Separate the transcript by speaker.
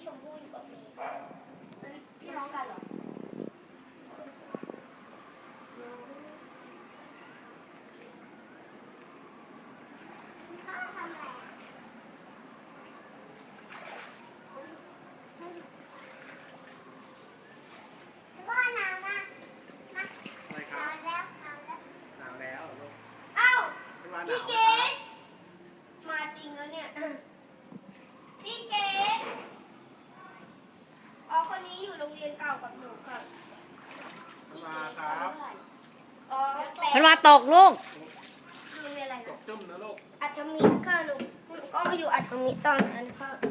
Speaker 1: ชมพู่อยู่กับมีพี่น้องกันเหรอพ่อทำอะไรพ่อหนาวมาก
Speaker 2: อะไรค
Speaker 1: ห
Speaker 2: รั
Speaker 1: นา
Speaker 2: บ
Speaker 1: วแล้ว
Speaker 2: หนาวแล้วลูก
Speaker 1: เอ้า
Speaker 2: ไม่ว่าห
Speaker 1: พี่
Speaker 2: นาว
Speaker 1: เก
Speaker 2: นะครับ
Speaker 1: ดมาจริงแล้วเนี่ยพี่เกดอ๋อคนนี้อยู่โรงเรียนเก่ากับหนูค่ะ
Speaker 2: ไม่ว่าครับ
Speaker 1: อ๋อแปล
Speaker 3: มันมาตกลูก
Speaker 1: โรงเรียนอะไร
Speaker 2: ต
Speaker 1: นะ
Speaker 2: กจุ่มนะลูก
Speaker 1: อัฐมิตรค่ะหนูก็มาอยู่อัฐมิตรตอนนั้นค่ะ